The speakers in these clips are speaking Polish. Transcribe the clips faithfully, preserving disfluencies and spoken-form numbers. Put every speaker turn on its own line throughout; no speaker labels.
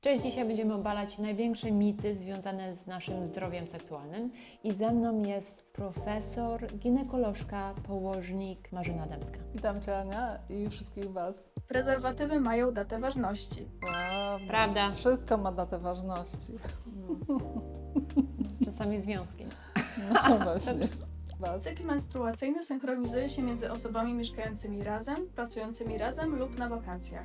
Cześć, dzisiaj będziemy obalać największe mity związane z naszym zdrowiem seksualnym. I ze mną jest profesor, ginekolożka, położnik Marzena Dębska.
Witam Cię, Ania, i wszystkich Was.
Prezerwatywy mają datę ważności.
Prawda.
Prawda.
Wszystko ma datę ważności.
Czasami związki.
No właśnie. Was.
Cykl menstruacyjny synchronizuje się między osobami mieszkającymi razem, pracującymi razem lub na wakacjach.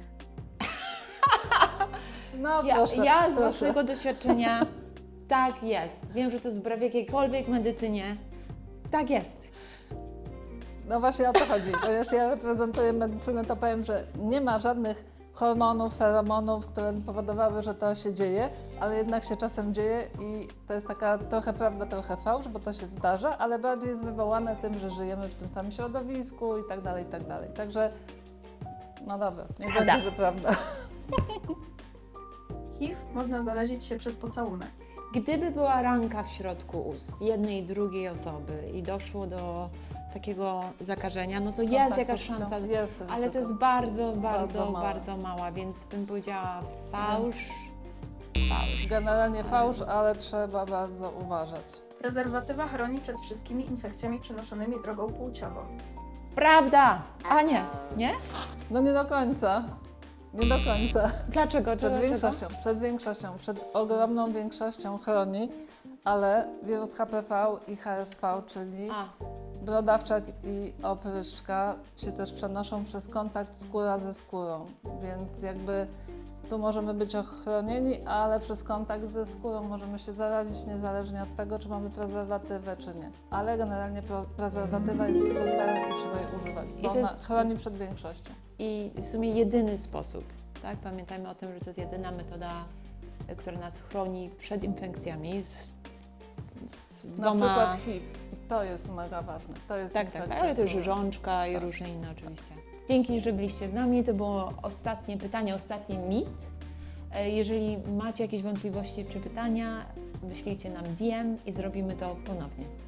No
Ja,
proszę,
ja z
proszę.
własnego doświadczenia tak jest. Wiem, że to jest wbrew jakiejkolwiek medycynie. Tak jest.
No właśnie o to chodzi. Ponieważ ja reprezentuję medycynę, to powiem, że nie ma żadnych hormonów, feromonów, które powodowały, że to się dzieje, ale jednak się czasem dzieje i to jest taka trochę prawda, trochę fałsz, bo to się zdarza, ale bardziej jest wywołane tym, że żyjemy w tym samym środowisku i tak dalej, i tak dalej. Także, no dobra, nie
Prawda.
będzie, że prawda.
H I V można zarazić się przez pocałunek.
Gdyby była ranka w środku ust jednej i drugiej osoby i doszło do takiego zakażenia, no to jest
Kontaktu
jakaś
z-
szansa.
Jest
Ale to
ryzyko.
jest bardzo, bardzo,
mała.
bardzo mała, więc bym powiedziała fałsz. Fałsz.
Generalnie fałsz, ale trzeba bardzo uważać.
Prezerwatywa chroni przed wszystkimi infekcjami przenoszonymi drogą płciową.
Prawda! A nie, nie?
No nie do końca. Nie do końca.
Dlaczego?
Przed
Dlaczego?
większością, przed większością, przed ogromną większością chroni, ale wirus H P V i H S V, czyli
A,
brodawczak i opryszczka się też przenoszą przez kontakt skóra ze skórą, więc jakby tu możemy być ochronieni, ale przez kontakt ze skórą możemy się zarazić niezależnie od tego, czy mamy prezerwatywę, czy nie. Ale generalnie pro- prezerwatywa jest super i trzeba jej używać, bo
I to
ona
jest-
chroni przed większością.
i w sumie jedyny sposób, tak? Pamiętajmy o tym, że to jest jedyna metoda, y, która nas chroni przed infekcjami z, z
Na
dwoma...
przykład H I V. I to jest mega ważne. To jest
Tak, tak, tak,
infekcja,
ale też
która-
żączka i
Tak.
różne inne oczywiście. Dzięki, że byliście z nami. To było ostatnie pytanie, ostatni mit. E, Jeżeli macie jakieś wątpliwości czy pytania, wyślijcie nam D M i zrobimy to ponownie.